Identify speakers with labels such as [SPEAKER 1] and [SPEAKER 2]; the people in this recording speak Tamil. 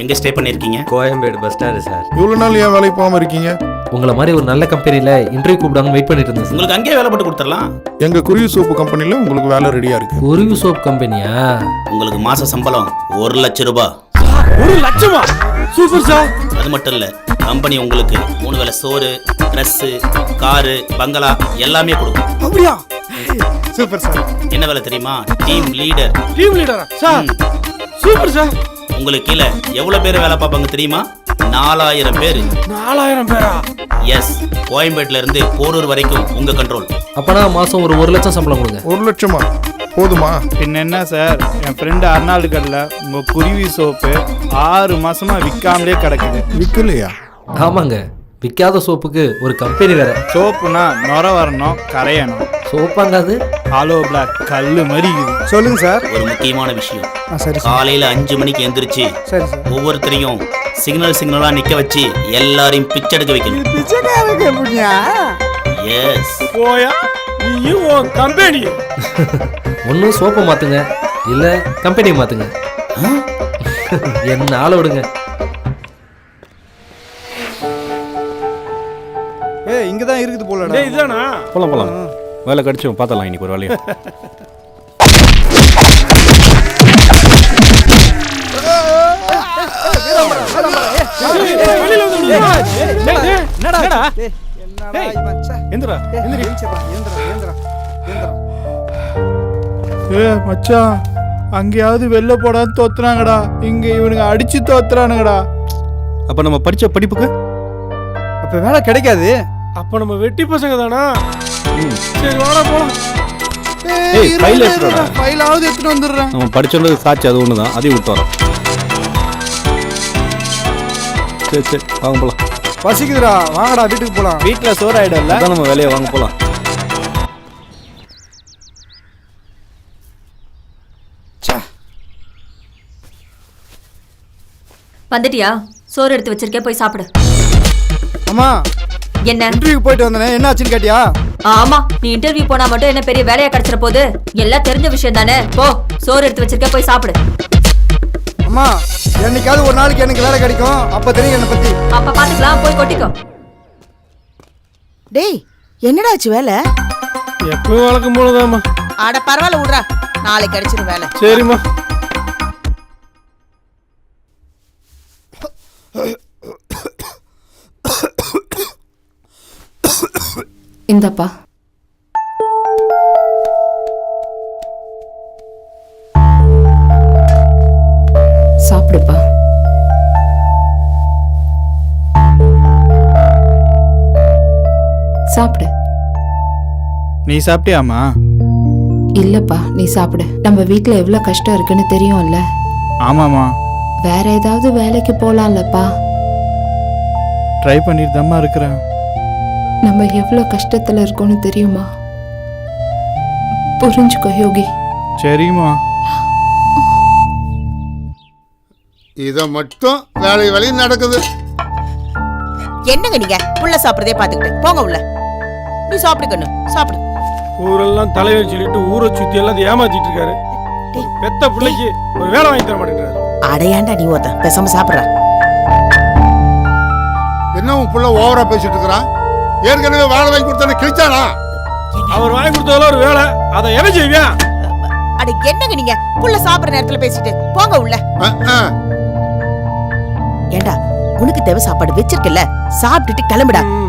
[SPEAKER 1] எங்க ஸ்டே பண்ணிருக்கீங்க?
[SPEAKER 2] Koyambedu bus stand sir.
[SPEAKER 3] இவ்வளவு நாள் ஏன் வேலைக்கு போகாம இருக்கீங்க?
[SPEAKER 4] உங்களை மாதிரி ஒரு நல்ல கம்பெனியில் இன்டர்வியூ கூப்பிடாங்க வெயிட் பண்ணிட்டு இருந்தேன் சார்.
[SPEAKER 1] உங்களுக்கு அங்கேயே வேலை போட்டு கொடுத்துடலாம்.
[SPEAKER 3] எங்க குருவி சோப்பு கம்பெனில உங்களுக்கு வேலை ரெடியா இருக்கு.
[SPEAKER 4] குருவி சோப் கம்பெனியா?
[SPEAKER 1] உங்களுக்கு மாச சம்பளம் 1 லட்சம் ரூபாய்.
[SPEAKER 5] 1 லட்சமா? Super sir.
[SPEAKER 1] அது மட்டும் இல்ல, கம்பெனி உங்களுக்கு 3 வேளை சோறு, ட்ரெஸ், காரு, பங்களா எல்லாமே கொடுக்கும்.
[SPEAKER 5] அப்படியா? Super sir.
[SPEAKER 1] என்ன வேலை தெரியுமா? Team leader.
[SPEAKER 5] டீம் லீடரா சார்? Super sir.
[SPEAKER 1] உங்களுக்கு கீழே எவ்வளவு பேர் வேலை பார்ப்பாங்க தெரியுமா? 4000 பேர்.
[SPEAKER 5] 4000 பேரா?
[SPEAKER 1] எஸ். கோயம்பேட்ல இருந்து போரூர் வரைக்கும் உங்க கண்ட்ரோல்.
[SPEAKER 4] அப்பனா மாசம் ஒரு 1 லட்சம் சம்பளம் கொடுங்க.
[SPEAKER 3] 1 லட்சமா? போதுமா?
[SPEAKER 6] பின்ன என்ன சார், என் ஃப்ரெண்டு அர்னால்டு கடையில் உங்கள் குருவி சோப்பு 6 மாசமா விற்காமலே கிடக்குது.
[SPEAKER 3] விற்கலையா?
[SPEAKER 4] ஆமாங்க, விற்காத சோப்புக்கு ஒரு கம்பெனி வேற.
[SPEAKER 6] சோப்புனா நுர வரணும், கரையணும்.
[SPEAKER 4] சோப்பாங்க அது
[SPEAKER 6] ஹாலோ பிளாக் கல்லு மாதிரி இருக்குது.
[SPEAKER 5] சொல்லுங்க சார்.
[SPEAKER 1] ஒரு முக்கியமான விஷயம்,
[SPEAKER 5] சரி
[SPEAKER 1] காலையில 5 மணிக்கு எந்திரிச்சு
[SPEAKER 5] சரி சார்.
[SPEAKER 1] ஒவ்வொருத்தரையும் சிக்னலா நிக்க வச்சு எல்லாரையும் பிச்செடுக்க வைக்கணும்.
[SPEAKER 5] பிச்சைக்காரங்க எப்படியா?
[SPEAKER 1] எஸ்.
[SPEAKER 5] போயா நீயும் உன் கம்பெனி.
[SPEAKER 4] ஒன்றும் சோப்பை மாத்துங்க, இல்ல கம்பெனியை மாத்துங்க. என்ன ஆள விடுங்க.
[SPEAKER 6] இங்கே தான் இருக்குது போல.
[SPEAKER 5] டேய் இதானா?
[SPEAKER 7] போலாம் வேலை கடிச்சோம் பார்த்தலாம் இன்னைக்கு ஒரு வேலையை.
[SPEAKER 5] வெளியில வந்து
[SPEAKER 6] என்னடா
[SPEAKER 5] எந்திரா.
[SPEAKER 6] மச்சான், அங்கேயாவது வெளில போடான்னு தோத்துறாங்கடா. இங்க இவனுங்க அடிச்சு தோத்துறானுங்கடா.
[SPEAKER 7] அப்போ நம்ம படித்த படிப்புக்கு
[SPEAKER 6] அப்ப வேலை கிடைக்காது.
[SPEAKER 5] அப்ப நம்ம வெட்டி பசங்க தானா? சரி வாடா போலாம்.
[SPEAKER 7] ஏய், ஃபைல் எடுத்துடா.
[SPEAKER 6] ஃபைலாவது எடுத்துட்டு வந்துடுறேன்.
[SPEAKER 7] நம்ம படிச்சோண்டது சாட்சி அது ஒன்று தான், அதையும் விட்டு வரோம். சரி வாங்க போகலாம்.
[SPEAKER 6] பசிக்குதுடா, வாங்கடா வீட்டுக்கு போலாம். வீட்டில் சோறு ஆயிடும்ல,
[SPEAKER 7] அதான் நம்ம வேலையை வாங்க போகலாம்.
[SPEAKER 8] வந்துட்டியா? சோறு எடுத்து வச்சிருக்கேன், போய் சாப்பிடு.
[SPEAKER 6] அம்மா,
[SPEAKER 8] என்ன
[SPEAKER 6] இன்டர்வியூ போயிட்டு வந்தனே, என்ன ஆச்சுன்னு கேட்டியா?
[SPEAKER 8] ஆமா, நீ இன்டர்வியூ போனா மட்டும் என்ன பெரிய வேலையா கிடைச்சிட போகுது? எல்லாம் தெரிஞ்ச விஷயம் தானே. போ, சோறு எடுத்து வச்சிருக்கேன், போய் சாப்பிடு.
[SPEAKER 6] அம்மா, என்னைக்காவது ஒரு நாளைக்கு எனக்கு வேலை கிடைக்கும், அப்ப தெரியும் என்னை பத்தி.
[SPEAKER 8] அப்ப பாத்துக்கலாம், போய் கொட்டிக்கோ.
[SPEAKER 9] டேய், என்னடா ஆச்சு வேலை?
[SPEAKER 5] எப்பவும் வழக்கம் போலதாம்மா.
[SPEAKER 9] ஆட பரவாயில்ல விட்றா, நாளைக்கு கிடைச்சிரும் வேலை.
[SPEAKER 5] சரிம்மா.
[SPEAKER 8] இந்தப்பா. சாப்பிடுப்பா. சாப்பிடு.
[SPEAKER 6] நீ சாப்பிட்டியாமா?
[SPEAKER 8] இல்லப்பா, நீ சாப்பிடு. நம்ம வீட்ல எவ்வளவு கஷ்டம் இருக்குன்னு தெரியும்ல.
[SPEAKER 6] ஆமாம்மா.
[SPEAKER 8] வேற ஏதாவது வேலைக்கு போலாம்லப்பா.
[SPEAKER 6] ட்ரை பண்ணிட்டு தாம்மா இருக்கிறேன்.
[SPEAKER 8] நம்ம எவ்வளவு கஷ்டத்துல இருக்கோம்னு தெரியுமா? புரிஞ்சுக்கோ யோகி.
[SPEAKER 6] சரிம்மா.
[SPEAKER 3] இத மட்டும் வேலை நடக்குது.
[SPEAKER 9] என்னங்க நீங்க புள்ள சாப்பிடுறதே பாத்துக்கிட்டு போங்க உள்ள. நீ சாப்பிடுக்கணும், சாப்பிடு.
[SPEAKER 5] ஊரெல்லாம் தலைவர் சொல்லிட்டு ஊரை சுத்தி எல்லாம் ஏமாத்திட்டு இருக்காரு. பெத்த பிள்ளைக்கு ஒரு வேலை வாங்கி தர மாட்டேங்கிறாரு.
[SPEAKER 9] அடையாண்டா நீ ஓத்த பேசாம சாப்பிடுற.
[SPEAKER 3] என்ன உன் புள்ள ஓவரா பேசிட்டு இருக்கிறான்? ஏற்கனவே வேலை வாங்கி கொடுத்தானே கிழிச்சானா?
[SPEAKER 5] அவர் வாங்கி கொடுத்ததுல ஒரு வேலை, அதை என்ன செய்வியா?
[SPEAKER 9] அட என்னங்க நீங்க புள்ள சாப்பிடுற நேரத்துல பேசிட்டு போங்க உள்ள. ஏண்டா, உனக்கு தேவை சாப்பாடு வச்சிருக்கல, சாப்பிட்டுட்டு கிளம்புடா.